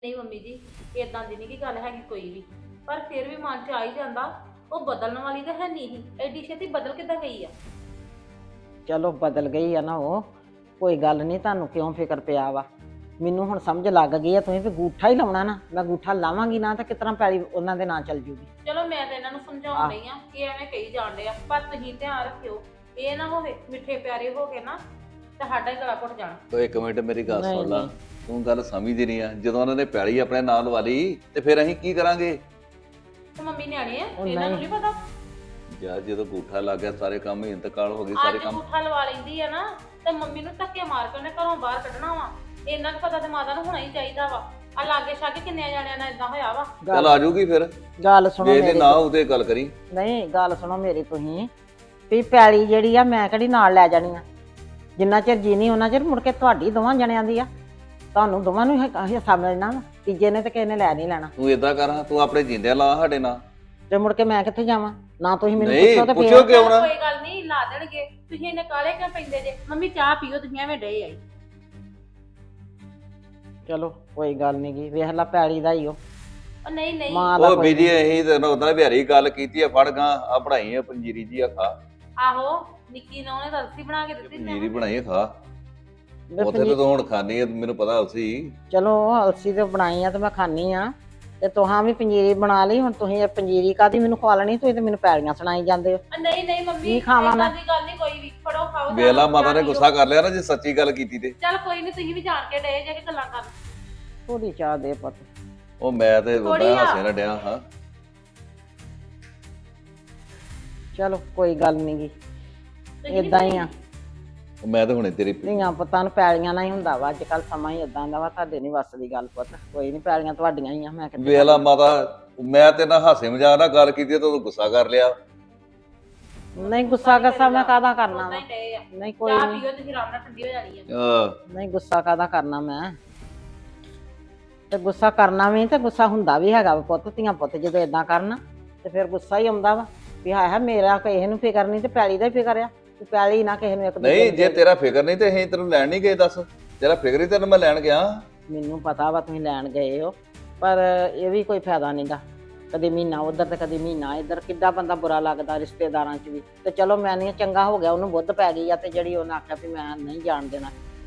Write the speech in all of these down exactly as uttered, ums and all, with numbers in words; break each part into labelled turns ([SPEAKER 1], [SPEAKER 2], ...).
[SPEAKER 1] ਨਹੀਂ ਮੰਮੀ ਜੀ, ਇਦਾਂ ਦੀ ਨਹੀਂ ਕੀ ਗੱਲ ਹੈਗੀ ਕੋਈ ਵੀ। ਪਰ ਫਿਰ ਵੀ ਮਨ 'ਚ ਆ ਹੀ ਜਾਂਦਾ। ਉਹ ਬਦਲਣ ਵਾਲੀ ਤਾਂ ਹੈ ਨਹੀਂ ਸੀ, ਐਡੀ ਛੇਤੀ ਬਦਲ ਕਿੱਦਾਂ ਗਈ ਆ?
[SPEAKER 2] ਚਲੋ ਬਦਲ ਗਈ ਆ ਨਾ ਉਹ, ਕੋਈ ਗੱਲ ਨਹੀਂ। ਤੁਹਾਨੂੰ ਕਿਉਂ ਫਿਕਰ ਪਿਆ ਵਾ? ਮੈਨੂੰ ਹੁਣ ਸਮਝ ਲੱਗ ਗਈ ਆ ਤੁਸੀਂ ਵੀ ਗੂਠਾ ਹੀ ਲਾਉਣਾ ਨਾ। ਮੈਂ ਗੂਠਾ ਲਾਵਾਂਗੀ ਨਾ ਤਾਂ ਕਿਤਨਾ ਪੈਲੀ ਉਹਨਾਂ ਦੇ ਨਾਂ ਚੱਲ ਜੂਗੀ।
[SPEAKER 1] ਚਲੋ ਮੈਂ ਤਾਂ ਇਹਨਾਂ ਨੂੰ ਸਮਝਾਉਣ ਡਈ ਆ ਕਿ ਐਵੇਂ ਕਹੀ ਜਾਂਦੇ ਆ, ਪਰ ਤੁਸੀਂ ਧਿਆਨ ਰੱਖਿਓ ਇਹ ਨਾ ਹੋਵੇ ਮਿੱਠੇ ਪਿਆਰੇ ਹੋ ਕੇ ਨਾ ਤੇ ਸਾਡਾ ਹੀ ਗਲਾ ਘੁੱਟ ਜਾਣਾ।
[SPEAKER 3] ਤੋ ਇੱਕ ਮਿੰਟ ਮੇਰੀ ਗੱਲ
[SPEAKER 2] ਨਹੀਂ,
[SPEAKER 3] ਸੁਣ ਲਾ।
[SPEAKER 2] ਨਹੀਂ।
[SPEAKER 3] ਤੂੰ ਗੱਲ ਸਮਝਦੀ ਨਹੀਂ ਆ। ਜਦੋਂ ਉਹਨਾਂ ਨੇ ਪੈਲੀ ਆਪਣੇ ਨਾਲ ਲਵਾ ਲਈ ਤੇ ਫਿਰ ਅਸੀਂ ਕੀ ਕਰਾਂਗੇ?
[SPEAKER 1] ਤੇ ਮੰਮੀ ਨਿਆਣੇ ਆ,
[SPEAKER 2] ਉਹ
[SPEAKER 1] ਇਹਨਾਂ ਨੂੰ
[SPEAKER 2] ਨਹੀਂ।
[SPEAKER 1] ਨਹੀਂ ਪਤਾ।
[SPEAKER 3] ਯਾਰ ਜਦੋਂ ਗੂਠਾ ਲੱਗ ਗਿਆ ਸਾਰੇ ਕੰਮ ਹੀ ਇੰਤਕਾਲ ਹੋ ਗਏ ਸਾਰੇ
[SPEAKER 1] ਅੱਜ
[SPEAKER 3] ਕੰਮ।
[SPEAKER 1] ਅੰਗੂਠਾ ਲਵਾ ਲੈਂਦੀ ਆ ਨਾ ਤੇ ਮੰਮੀ ਨੂੰ ਧੱਕੇ ਮਾਰ ਕੇ ਉਹਨੇ ਘਰੋਂ ਬਾਹਰ ਕੱਢਣਾ ਵਾ। ਇੰਨਾ ਕੁ ਪਤਾ ਤੇ ਮਾਤਾ ਨੂੰ ਹੋਣਾ ਹੀ ਚਾਹੀਦਾ ਵਾ। ਆ ਲਾਗੇ ਛਾਗੇ ਕਿੰਨੇ ਜਾਣਿਆਂ ਨਾਲ ਇਦਾਂ ਹੋਇਆ ਵਾ।
[SPEAKER 3] ਚੱਲ ਆ ਜਾਊਗੀ ਫਿਰ।
[SPEAKER 2] ਗੱਲ ਸੁਣੋ
[SPEAKER 3] ਜੇ ਇਹਦੇ
[SPEAKER 2] ਮੇਰੀ।
[SPEAKER 3] ਨਾ ਉਹਦੇ ਗੱਲ ਕਰੀ।
[SPEAKER 2] ਨਹੀਂ, ਗੱਲ ਸੁਣੋ ਮੇਰੀ ਤੁਸੀਂ ਵੀ ਪੈਲੀ ਜਿਹੜੀ ਆ ਮੈਂ ਕਿਹੜੀ ਨਾਲ ਲੈ ਜਾਣੀ ਆ। ਜਿੰਨਾ ਚਿਰ ਜੀਨੀ ਉਹਨਾਂ ਚਿਰ ਮੁੜ ਕੇ ਤੁਹਾਡੀ ਦੋਵਾਂ ਜਣਿਆਂ ਦੀ ਆ। ਤੁਹਾਨੂੰ ਦੋਵਾਂ ਨੂੰ ਹਿੱਸਾ ਮਿਲਣਾ ਵਾ। ਤੀਜੇ ਨੇ ਤੇ ਕਿਸੇ ਨੇ ਲੈ ਨਹੀਂ ਲੈਣਾ।
[SPEAKER 3] ਤੂੰ ਏਦਾਂ ਕਰ, ਤੂੰ ਆਪਣੇ ਜਿੰਦਿਆਂ ਲਾ ਸਾਡੇ ਨਾਲ।
[SPEAKER 2] ਤੇ ਮੁੜ ਕੇ ਮੈਂ ਕਿੱਥੇ ਜਾਵਾਂ? ਨਾ ਤੁਸੀਂ ਮੈਨੂੰ
[SPEAKER 3] ਨਹੀਂ,
[SPEAKER 2] ਪੁੱਛੋ ਤੇ
[SPEAKER 3] ਪੁੱਛੋ
[SPEAKER 2] ਫਿਰ
[SPEAKER 3] ਕਿਉਂ ਨਾ?
[SPEAKER 1] ਕੋਈ ਗੱਲ ਨਹੀਂ, ਲਾ ਦੇਣਗੇ। ਤੁਸੀਂ ਇਹਨੇ ਕਾਲੇ ਕਿਉਂ ਪੈਂਦੇ ਜੇ? ਮੰਮੀ ਚਾਹ ਪੀਓ, ਤੁਸੀਂ ਐਵੇਂ ਡੇ ਆਈ।
[SPEAKER 2] ਚਲੋ ਕੋਈ ਗੱਲ ਨਹੀਂ ਗੀ। ਵੇਖ ਲਾ ਪੈਲੀ ਦਾ ਹੀ ਉਹ
[SPEAKER 1] ਉਹ ਨਹੀਂ ਨਹੀਂ,
[SPEAKER 2] ਮਾਂ ਦਾ
[SPEAKER 3] ਉਹ
[SPEAKER 2] ਕੋਈ
[SPEAKER 3] ਬੀਜੀ ਅਸੀਂ ਤੇ ਉਹਦਾਂ ਬਿਹਾਰੀ ਗੱਲ ਕੀਤੀ ਆ। ਫੜ ਗਾ ਆ ਬਣਾਈ ਆ ਪੰਜੀਰੀ ਜੀ ਆ ਖਾ।
[SPEAKER 1] ਆਹੋ ਨਿੱਕੀ ਨੇ ਉਹਨੇ ਰਸੀ ਬਣਾ ਕੇ ਦਿੱਤੀ
[SPEAKER 3] ਪੰਜੀਰੀ ਬਣਾਈ ਆ ਖਾ।
[SPEAKER 2] ਵੀ
[SPEAKER 3] ਉੱਥੇ
[SPEAKER 2] ਪੰਜੀ-
[SPEAKER 3] ਤੇ ਤੂੰ ਹੁਣ ਖਾਣੀ ਆ, ਮੈਨੂੰ ਪਤਾ ਉਸੇ।
[SPEAKER 2] ਚਲੋ ਅਲਸੀ ਤੇ ਬਣਾਈ ਆ ਤੇ ਮੈਂ ਖਾਣੀ ਆ। ਤੇ ਤੁਹਾਂ ਵੀ ਪੰਜੀਰੀ ਬਣਾ ਲਈ। ਹੁਣ ਤੁਸੀਂ ਇਹ ਪੰਜੀਰੀ ਕਾਦੀ ਮੈਨੂੰ ਖਵਾ ਲੈਣੀ? ਤੁਸੀਂ ਤੇ ਮੈਨੂੰ ਪੈਲੀਆਂ ਸੁਣਾਈ ਜਾਂਦੇ ਹੋ।
[SPEAKER 1] ਉਹ ਨਹੀਂ ਨਹੀਂ ਮੰਮੀ,
[SPEAKER 2] ਕੀ ਖਾਵਾਂ ਮੈਂ?
[SPEAKER 1] ਏਦਾਂ ਦੀ ਗੱਲ ਨਹੀਂ ਕੋਈ ਵੀ। ਫੜੋ ਖਾਓ।
[SPEAKER 3] ਵੇਲਾ ਮਾਤਾ ਨੇ ਗੁੱਸਾ ਕਰ ਲਿਆ ਨਾ ਜੇ ਸੱਚੀ ਗੱਲ ਕੀਤੀ ਤੇ।
[SPEAKER 1] ਚੱਲ ਕੋਈ ਨਹੀਂ, ਤੁਸੀਂ ਵੀ ਜਾਣ ਕੇ ਡੇ ਜੇ ਕਿ ਗੱਲਾਂ ਕਰਨ।
[SPEAKER 2] ਥੋੜੀ ਚਾਹ ਦੇ ਪੁੱਤ।
[SPEAKER 3] ਉਹ ਮੈਂ ਤੇ
[SPEAKER 1] ਥੋੜ੍ਹੀ
[SPEAKER 3] ਉਹਦਾ
[SPEAKER 1] ਆ।
[SPEAKER 3] ਹਾਸੇ ਨਾ ਡਿਆ ਹਾਂ।
[SPEAKER 2] ਚਲੋ ਕੋਈ ਗੱਲ ਨਹੀਂ ਗੀ।
[SPEAKER 1] ਤੁਸੀਂ ਨੀ
[SPEAKER 2] ਇਦਾਂ ਹੀ ਆ।
[SPEAKER 3] ਉਹ ਮੈਂ ਤੇ ਹੁਣੇ ਤੇਰੀ
[SPEAKER 2] ਧੀਆਂ ਪੁੱਤਾਂ ਨੂੰ ਪੈਲੀਆਂ ਨਾਲ ਹੀ ਹੁੰਦਾ ਵਾ। ਅੱਜ ਕੱਲ ਸਮਾਂ ਹੀ ਇਦਾਂ ਦਾ ਵਾ। ਤੁਹਾਡੇ ਨਹੀਂ ਵੱਸ ਦੀ ਗੱਲ ਪੁੱਤ। ਕੋਈ ਨਹੀਂ, ਪੈਲੀਆਂ ਤੁਹਾਡੀਆਂ ਹੀ ਆ। ਮੈਂ ਕਿੱਥੇ
[SPEAKER 3] ਵੇਲਾ ਮਾਤਾ, ਮੈਂ ਤੇ ਨਾ ਹਾਸੇ ਮਜ਼ਾਕ ਨਾਲ ਗੱਲ ਕੀਤੀ ਤੇ ਤੂੰ ਗੁੱਸਾ ਕਰ ਲਿਆ।
[SPEAKER 2] ਨਹੀਂ, ਗੁੱਸਾ ਗੱਸਾ ਮੈਂ ਕਾਹਦਾ ਕਰਨਾ
[SPEAKER 1] ਉਦਾਂ
[SPEAKER 2] ਵਾ?
[SPEAKER 1] ਹੀ ਡੇ ਆ।
[SPEAKER 2] ਨਹੀਂ ਕੋਈ
[SPEAKER 1] ਚਾਹ
[SPEAKER 2] ਨਹੀਂ।
[SPEAKER 1] ਪੀਓ, ਤੁਸੀਂ ਆਰਾਮ ਨਾਲ ਠੰਡੀ ਹੋ ਜਾਣੀ ਆ।
[SPEAKER 3] ਆਹ,
[SPEAKER 2] ਨਹੀਂ, ਗੁੱਸਾ ਕਾਹਦਾ ਕਰਨਾ ਮੈਂ? ਤੇ ਗੁੱਸਾ ਕਰਨਾ ਵੀ ਤੇ ਗੁੱਸਾ ਹੁੰਦਾ ਵੀ ਹੈਗਾ ਵਾ ਪੁੱਤ। ਧੀਆਂ ਪੁੱਤ ਜਦੋਂ ਇਦਾਂ ਕਰਨ ਤੇ ਫਿਰ ਗੁੱਸਾ ਹੀ ਆਉਂਦਾ ਵਾ ਵੀ ਹਾਏ ਹਾਏ ਮੇਰਾ ਕਿਸੇ ਨੂੰ ਫਿਕਰ ਨਹੀਂ ਤੇ ਪੈਲੀ ਦਾ ਹੀ ਫਿਕਰ ਆ। ਤੇ ਪੈਲੀ ਨਾ ਕਿਸੇ ਨੂੰ ਇੱਕ ਦੂਜੇ
[SPEAKER 3] ਨਹੀਂ
[SPEAKER 2] ਨੂੰ
[SPEAKER 3] ਜੇ
[SPEAKER 2] ਦੇ।
[SPEAKER 3] ਤੇਰਾ ਫਿਕਰ ਨਹੀਂ ਤੇ ਅਸੀਂ ਤੈਨੂੰ ਲੈਣ ਨਹੀਂ ਗਏ। ਦੱਸ, ਤੇਰਾ ਫਿਕਰ ਹੀ ਤੈਨੂੰ ਮੈਂ ਲੈਣ ਗਿਆ।
[SPEAKER 2] ਮੈਨੂੰ ਪਤਾ ਵਾ ਤੁਸੀਂ ਲੈਣ ਗਏ ਹੋ, ਪਰ ਇਹ ਵੀ ਕੋਈ ਫਾਇਦਾ ਨਹੀਂਗਾ। ਕਦੇ ਮਹੀਨਾ ਉਧਰ ਤੇ ਕਦੇ ਮਹੀਨਾ ਇੱਧਰ। ਕਿੱਦਾਂ ਬੰਦਾ ਬੁਰਾ ਲੱਗਦਾ ਰਿਸ਼ਤੇਦਾਰਾਂ 'ਚ ਵੀ। ਤੇ ਚਲੋ ਮੈਂ ਨਹੀਂ, ਚੰਗਾ ਹੋ ਗਿਆ ਉਹਨੂੰ ਬੁੱਧ ਪੈ ਗਈ ਆ ਤੇ ਜਿਹੜੀ ਉਹਨੇ ਆਖਿਆ ਵੀ ਮੈਂ ਨਹੀਂ ਜਾਣ ਦੇਣਾ।